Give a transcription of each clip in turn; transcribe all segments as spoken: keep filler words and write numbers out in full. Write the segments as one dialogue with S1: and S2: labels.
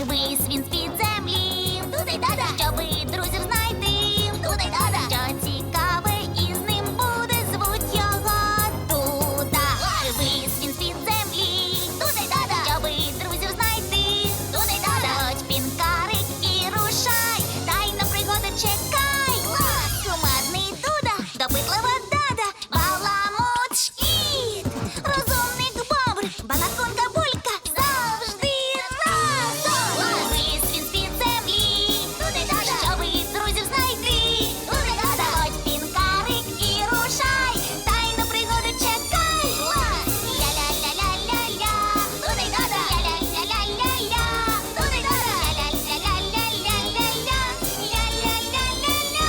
S1: Вись він з-під землі. Туди-дада. Щоби друзів знайти. Туди-дада. Що цікаве із ним буде, звуть його Дуда. Вись він з-під землі. Туди-дада. Щоби друзів знайти. Туди-дада. Заходь, пінкарик, і рушай. Тайна пригода чекай. Кумедний Дуда, допитлива Дада, баламут Шкіт, розумник Бобр, балаконка Булька, завжди разом. Вись він з-під землі. Туди-дада. Щоби друзів знайти. Туди-дада. Заходь, пінкарик, і рушай. Тайну пригоду чекай. Ля-ля-ля-ля-ля-ля. Туди-дада. Ля-ля-ля-ля-ля-ля. Туди-дада. Ля-ля-ля-ля-ля-ля. Ля-ля-ля-ля-ля.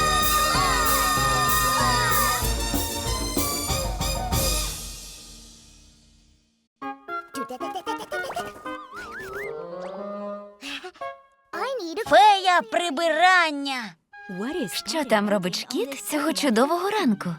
S2: Фея прибирання.
S3: Що там робить Шкіт цього чудового ранку?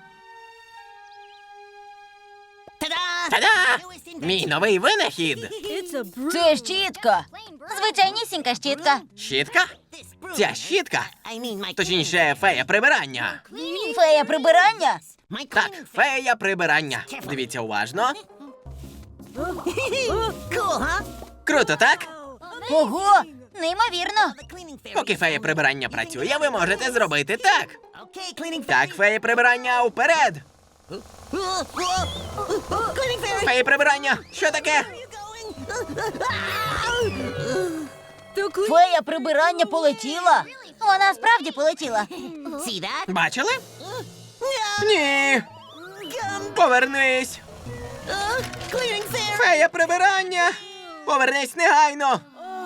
S4: Та-да! Мій новий винахід!
S2: Це щітка. Звичайнісінька щітка.
S4: Щітка? Ця щітка? Точніше, фея прибирання.
S2: Фея прибирання?
S4: Так, фея прибирання. Дивіться уважно. Круто, так?
S2: Ого, неймовірно.
S4: Поки фея прибирання працює, ви можете зробити так. Так, фея прибирання, уперед! Фея прибирання, що таке?
S2: Фея прибирання полетіла. Вона справді полетіла.
S4: Бачили? Ні. Повернись. Фея прибирання. Повернись негайно.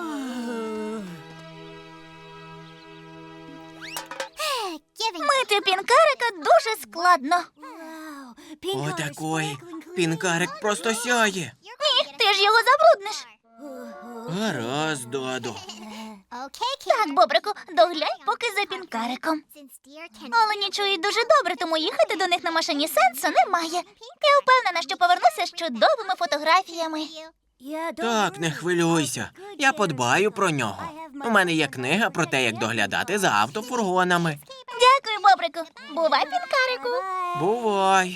S1: Мити пінкарика дуже складно.
S4: Отакої. Пінкарик просто сяє.
S1: Ні, ти ж його забрудниш.
S4: Гаразд, Додо.
S1: Так, Бобрику, доглянь поки за пінкариком. Олені чують дуже добре, тому їхати до них на машині сенсу немає. Я впевнена, що повернуся з чудовими фотографіями.
S4: Так, не хвилюйся. Я подбаю про нього. У мене є книга про те, як доглядати за автофургонами.
S1: Дякую, Бобрику. Бувай, пінкарику.
S4: Бувай.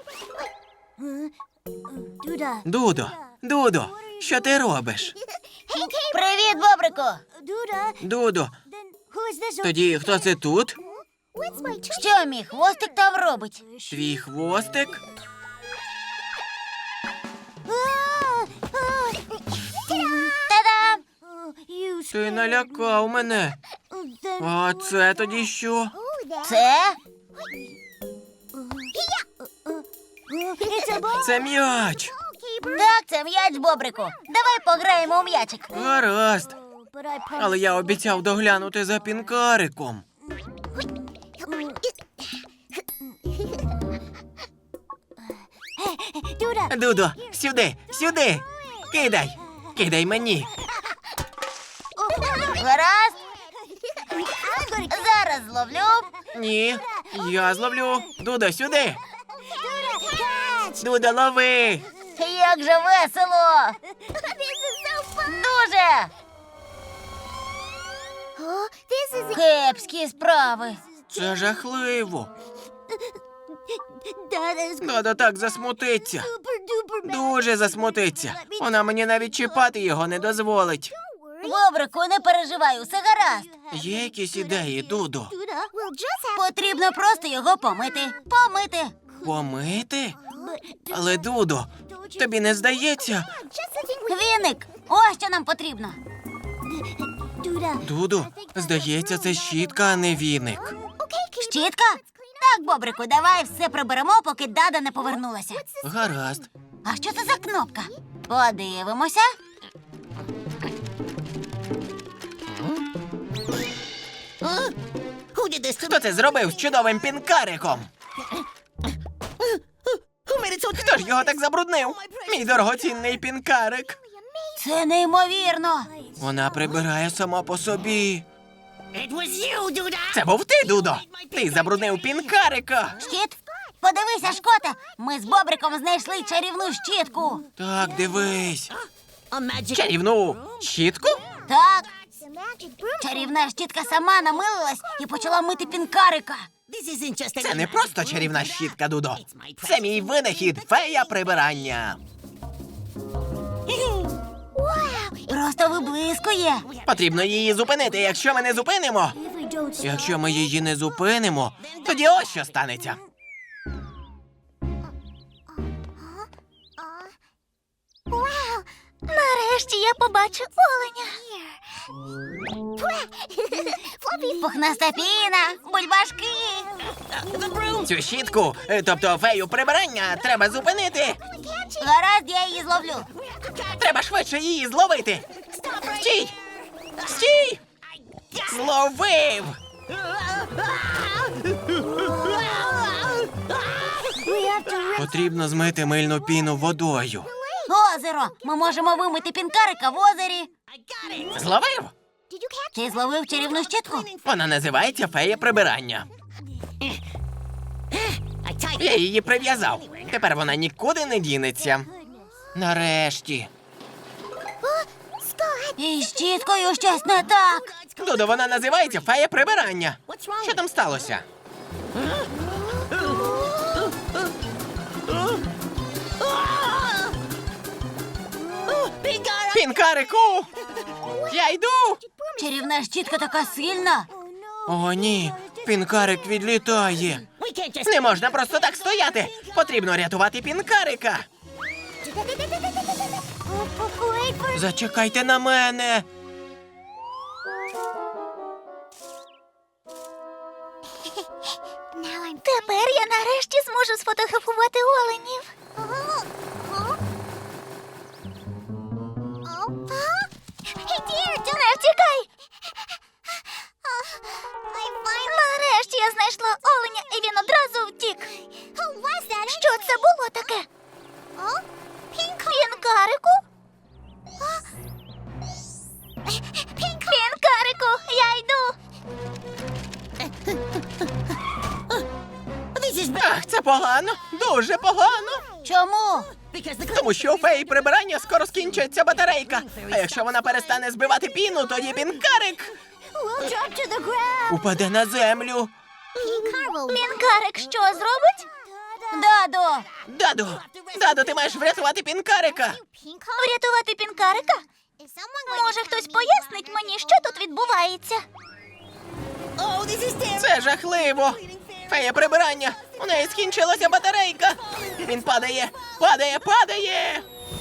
S4: Дудо, Дудо, що ти робиш?
S2: Привіт, Бобрику.
S4: Дудо, тоді хто це тут?
S2: Що мій хвостик там робить?
S4: Твій хвостик?
S2: Та-дам!
S4: Ти налякав мене. А це тоді що?
S2: Це?
S4: Це м'яч.
S2: Так, це м'яч, Бобрику. Давай пограємо у м'ячик.
S4: Гаразд. Але я обіцяв доглянути за пінкариком. Дудо, сюди, сюди. Кидай. Кидай мені.
S2: Гаразд. Зараз зловлю.
S4: Ні, я зловлю. Дудо, сюди. Дудо, лови.
S2: Як же весело. Дуже. Кепські справи.
S4: Це жахливо. Дудо так засмутиться. Дуже засмутиться. Вона мені навіть чіпати його не дозволить.
S2: Бобрику, не переживай, усе гаразд.
S4: Є якісь ідеї, Дудо?
S2: Потрібно просто його помити. Помити.
S4: Помити? Але, Дудо, тобі не здається?
S2: Віник, ось що нам потрібно.
S4: Дудо, здається, це щітка, а не віник.
S2: Щітка? Так, Бобрику, давай все приберемо, поки Дада не повернулася.
S4: Гаразд.
S2: А що це за кнопка? Подивимося.
S4: Хто це зробив з чудовим пінкариком? Хто ж його так забруднив? Мій дорогоцінний пінкарик.
S2: Це неймовірно.
S4: Вона прибирає сама по собі. Це був ти, Дудо. Ти забруднив пінкарика.
S2: Щіт? Подивися, Шкоте, ми з Бобриком знайшли чарівну щітку.
S4: Так, дивись. Чарівну щітку?
S2: Так, Чарівна щітка сама намилилась і почала мити пінкарика.
S4: Це не просто чарівна щітка, Дудо. Це мій винахід фея прибирання.
S2: Просто виблискує.
S4: Потрібно її зупинити. Якщо ми не зупинимо, якщо ми її не зупинимо, тоді ось що станеться.
S1: Нарешті я побачу оленя.
S2: Пухнаста піна, бульбашки.
S4: Цю щітку, е, тобто фею прибирання, треба зупинити.
S2: Гаразд, я її зловлю.
S4: Треба швидше її зловити. Стій! Стій! Зловив! Потрібно змити мильну піну водою.
S2: Озеро. Ми можемо вимити пінкарика в озері.
S4: Зловив?
S2: Ти зловив чарівну щітку?
S4: Вона називається фея прибирання. Я її прив'язав. Тепер вона нікуди не дінеться. Нарешті.
S2: І з щіткою щось не так.
S4: Дудо, вона називається фея прибирання. Що там сталося? Пінкарику! Я йду!
S2: Чарівна щітка така сильна.
S4: О, ні, пінкарик відлітає. Не можна просто так стояти. Потрібно рятувати пінкарика. Зачекайте на мене.
S1: Тепер я нарешті зможу сфотографувати оленів. Не втікай! Нарешті я знайшла оленя, і він одразу втік. Що це було таке? Пінкарику? Пінкарику, я йду.
S4: Ах, це погано, дуже погано.
S2: Чому?
S4: Тому що у феї прибирання скоро скінчиться батарейка. А якщо вона перестане збивати піну, тоді пінкарик упаде на землю.
S1: Пінкарик що зробить?
S2: Дадо.
S4: Дадо, Дадо, ти маєш врятувати пінкарика.
S1: Врятувати пінкарика? Може, хтось пояснить мені, що тут відбувається?
S4: Це жахливо. Фея прибирання. У неї скінчилася батарейка. Він падає, падає, падає.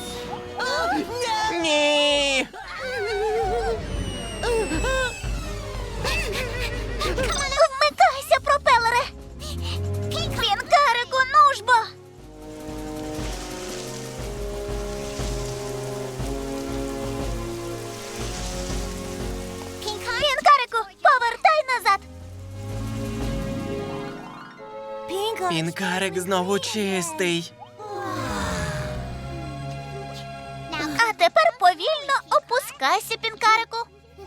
S4: Ні.
S1: Вмикайся, пропелере! Пінкарику, нужбо! Пінкарику, повертай назад!
S4: Пінкарик знову чистий.
S1: А тепер повільно опускайся, пінкарику.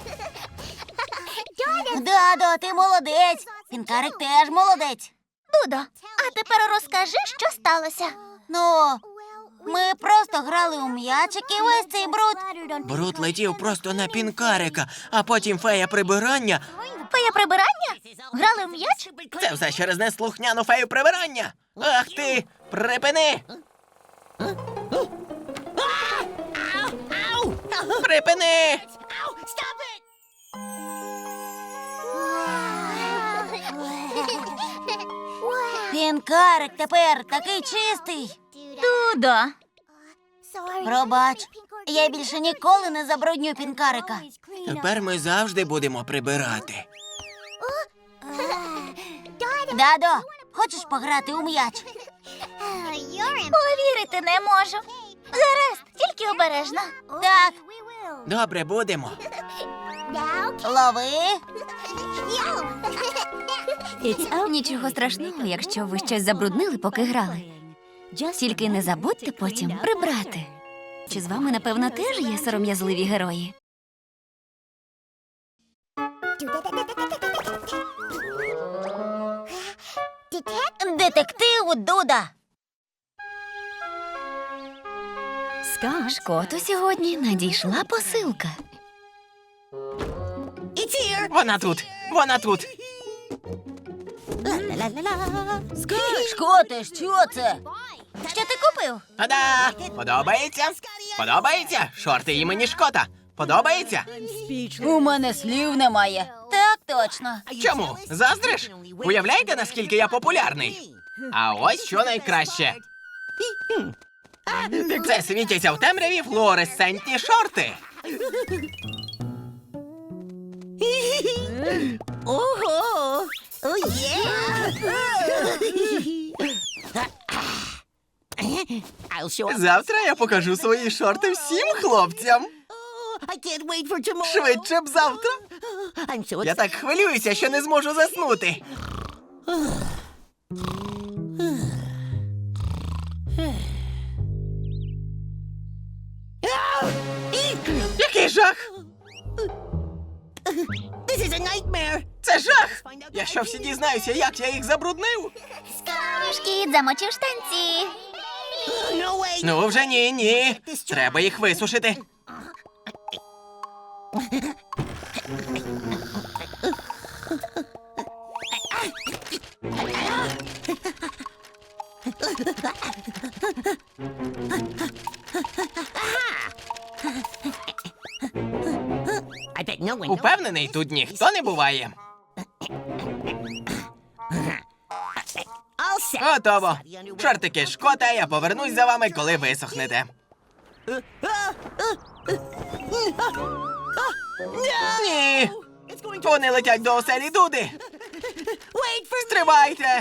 S2: Дадо, ти молодець. Пінкарик теж молодець.
S1: Дудо, а тепер розкажи, що сталося.
S2: Ну, ми просто грали у м'ячик і весь цей бруд.
S4: Бруд летів просто на пінкарика, а потім фея прибирання.
S1: Фея прибирання? Грали в м'яч?
S4: Це все через неслухняну фею прибирання. Ах ти, припини! Припини!
S2: Пінкарик тепер такий чистий.
S1: Дудо.
S2: Пробач, я більше ніколи не забрудню пінкарика.
S4: Тепер ми завжди будемо прибирати.
S2: Дадо, хочеш пограти у м'яч?
S1: Повірити не можу. Гаразд, тільки обережно.
S2: Так,
S4: Добре, будемо.
S2: лови.
S3: Нічого страшного, якщо ви щось забруднили, поки грали. Тільки не забудьте потім прибрати. Чи з вами, напевно, теж є сором'язливі герої?
S2: Детектив Дуда.
S3: Шкоту сьогодні надійшла посилка.
S4: Вона тут! Вона тут!
S2: Шкоте, що це? Що ти купив?
S4: Та-да! Подобається? Подобається? Шорти імені Шкота. Подобається?
S2: У мене слів немає. Так точно.
S4: Чому? Заздриш? Уявляєте, наскільки я популярний? А ось що найкраще. Це світяться в темряві флуоресцентні шорти.
S2: Ого! О, є!
S4: Завтра я покажу свої шорти всім хлопцям. Швидше б завтра. Я так хвилююся, що не зможу заснути. Який жах! Це жах! Я що всі дізнаюся, як я їх забруднив?
S1: Шкіт замочив штанці.
S4: Ну вже ні, ні. Треба їх висушити. Упевнений, тут ніхто не буває. Готово. Шортики Шкота, я повернусь за вами, коли висохнете. Ні! Вони летять до оселі Дуди. Стривайте!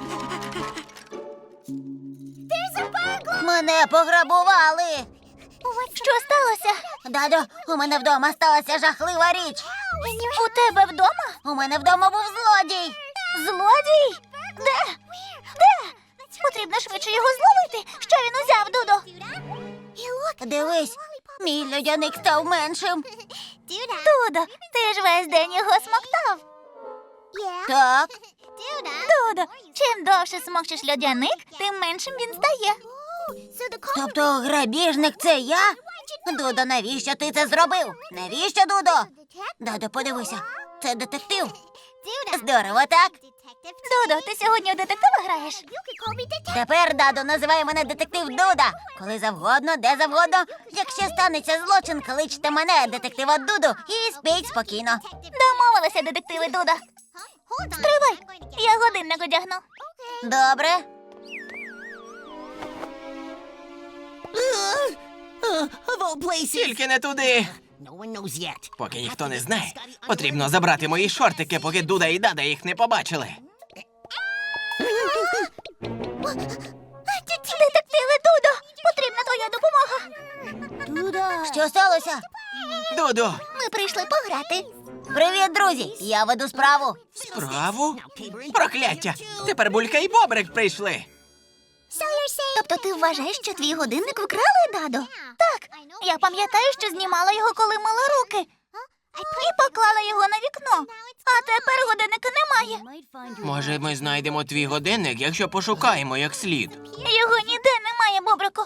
S2: Мене пограбували.
S1: Що сталося?
S2: Дадо, у мене вдома сталася жахлива річ.
S1: У тебе вдома?
S2: У мене вдома був злодій.
S1: Злодій? Де? Де? Потрібно швидше його зловити. Що він узяв, Дудо?
S2: Дивись, мій льодяник став меншим.
S1: Дудо, ти ж весь день його смоктав.
S2: Так,
S1: Дудо, чим довше смокчеш льодяник, тим меншим він стає.
S2: тобто грабіжник це я? Дудо, навіщо ти це зробив? Навіщо, Дудо? Дадо, подивися, це детектив. Здорово, так?
S1: Дудо, ти сьогодні у детектива граєш?
S2: Тепер, Дадо, називай мене детектив Дуда. Коли завгодно, де завгодно. Якщо станеться злочин, кличте мене, детектива Дуду, і спіть спокійно.
S1: Домовилися, детективи Дуда. Стривай, я годинник одягну.
S2: Добре.
S4: Тільки не туди. Поки ніхто не знає, потрібно забрати мої шортики, поки Дуда і Дада їх не побачили.
S1: Детективи Дудо, потрібна твоя допомога.
S2: Що сталося?
S4: Дудо,
S1: Ми прийшли пограти.
S2: Привіт, друзі! Я веду справу.
S4: справу? Прокляття! Тепер Булька і Бобрик прийшли.
S1: Тобто ти вважаєш, що твій годинник вкрали, Дадо? Так, я пам'ятаю, що знімала його, коли мила руки. І поклала його на вікно. А тепер годинника немає.
S4: Може, ми знайдемо твій годинник, якщо пошукаємо як слід.
S1: Його ніде немає, Бобрику.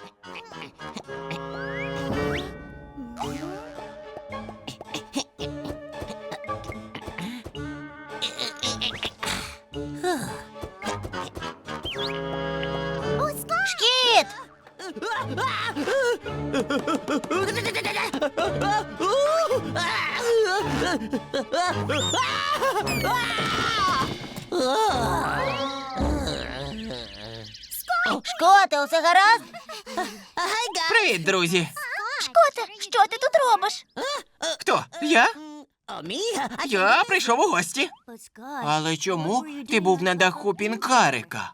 S2: Шкіт! Шкоте, усе гаразд?
S4: Привіт, друзі!
S1: Шкоте, що ти тут робиш?
S4: Хто? Я? Я прийшов у гості. Але чому ти був на даху пінкарика?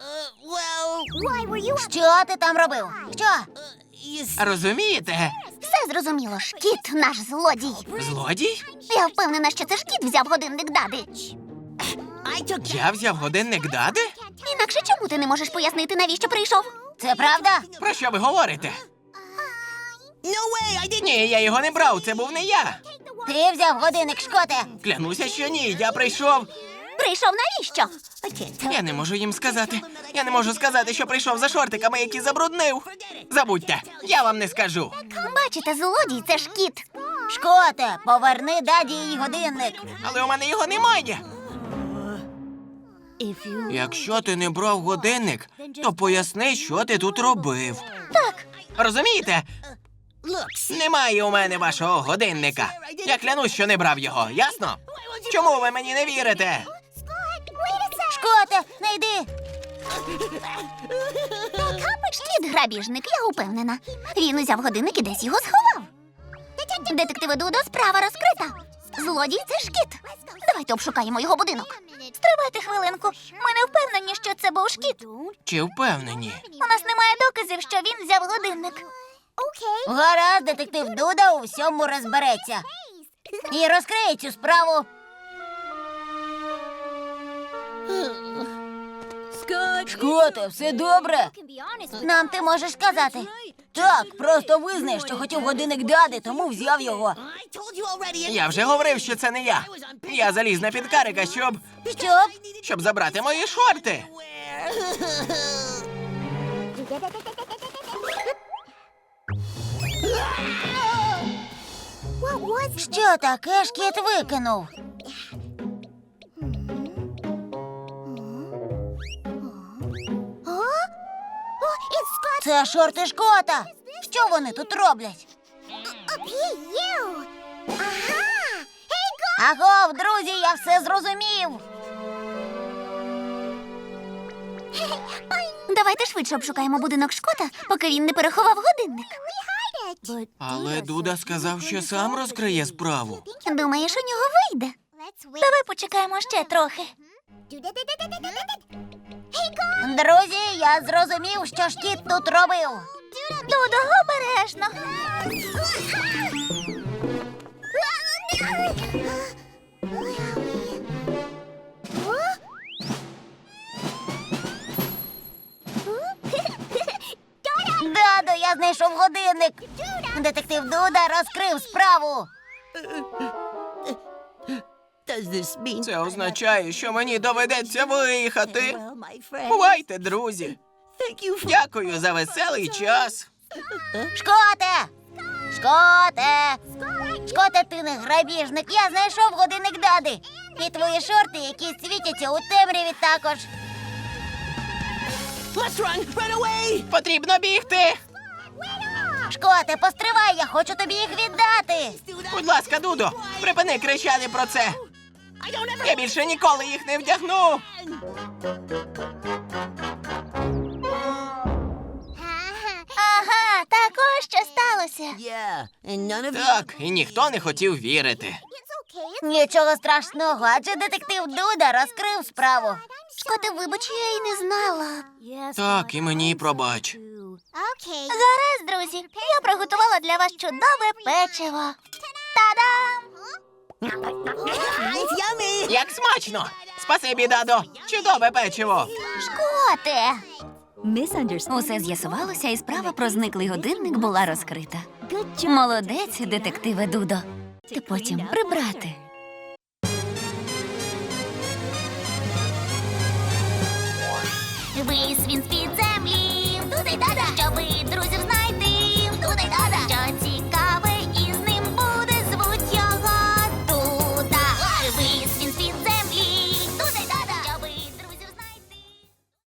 S2: Що ти там робив? Що?
S4: Розумієте?
S1: Все зрозуміло, Шкіт наш злодій.
S4: Злодій?
S1: Я впевнена, що це Шкіт взяв годинник Дади.
S4: Я взяв годинник Дади?
S1: Інакше чому ти не можеш пояснити, навіщо прийшов?
S2: Це правда?
S4: Про що ви говорите? Ні, я його не брав, це був не я.
S2: Ти взяв годинник, Шкоте.
S4: Клянуся, що ні, я прийшов.
S1: Прийшов навіщо?
S4: Я не можу їм сказати. Я не можу сказати, що прийшов за шортиками, які забруднив. Забудьте, я вам не скажу.
S1: Бачите, злодій це Шкіт.
S2: Шкоте, поверни даді її годинник.
S4: Але у мене його немає. Якщо ти не брав годинник, то поясни, що ти тут робив.
S3: Так,
S4: Розумієте? Немає у мене вашого годинника. Я клянусь, що не брав його, ясно? Чому ви мені не вірите?
S2: Шкоте, не йди.
S3: Шкіт грабіжник, я упевнена. Він узяв годинник і десь його сховав. Детективи Дудо, справа розкрита. Злодій – це шкіт. Давайте обшукаємо його будинок. Стривайте хвилинку. Ми не впевнені, що це був шкіт.
S4: Чи впевнені?
S3: У нас немає доказів, що він взяв годинник.
S2: Гаразд, детектив Дуда у всьому розбереться. І розкриє цю справу. Шкоте, все добре? Нам ти можеш сказати. Так, просто визнай, що хотів годинник дади, тому взяв його.
S4: Я вже говорив, що це не я. Я заліз на підкарика, щоб...
S2: Щоб?
S4: щоб забрати мої шорти.
S2: Що таке шкіт викинув? Це шорти Шкота. Що вони тут роблять? Агов, друзі, я все зрозумів.
S3: Давайте швидше обшукаємо будинок Шкота, поки він не переховав годинник.
S4: Але Дуда сказав, що сам розкриє справу.
S3: Думаєш, у нього вийде? Давай почекаємо ще трохи.
S2: Друзі, я зрозумів, що шкіт тут робив.
S3: Дудо, обережно.
S2: Дадо, я знайшов годинник. Детектив Дуда розкрив справу.
S4: Це означає, що мені доведеться виїхати. Бувайте, друзі. Дякую за веселий час.
S2: Шкоте! Шкоте! Шкоте, ти не грабіжник. Я знайшов годинник дади. І твої шорти, які світяться у темряві також.
S4: Потрібно бігти.
S2: Шкоте, постривай, я хочу тобі їх віддати.
S4: Будь ласка, Дудо, припини кричати про це. Я більше ніколи їх не вдягну.
S3: Ага, так ось що сталося.
S4: Так, і ніхто не хотів вірити.
S2: Нічого страшного, адже детектив Дуда розкрив справу.
S3: Шкоте, вибач, я й не знала.
S4: Так, і мені пробач.
S3: Гаразд, друзі, я приготувала для вас чудове печиво. Та-дам!
S4: Як смачно! Спасибі, Дадо! Чудове печиво!
S3: Шкоте! Усе з'ясувалося, і справа про зниклий годинник була розкрита. Молодець, детективе Дудо. Ти потім прибрати.
S1: Вись він з-під землі, туди дада, щоби друзів знайти.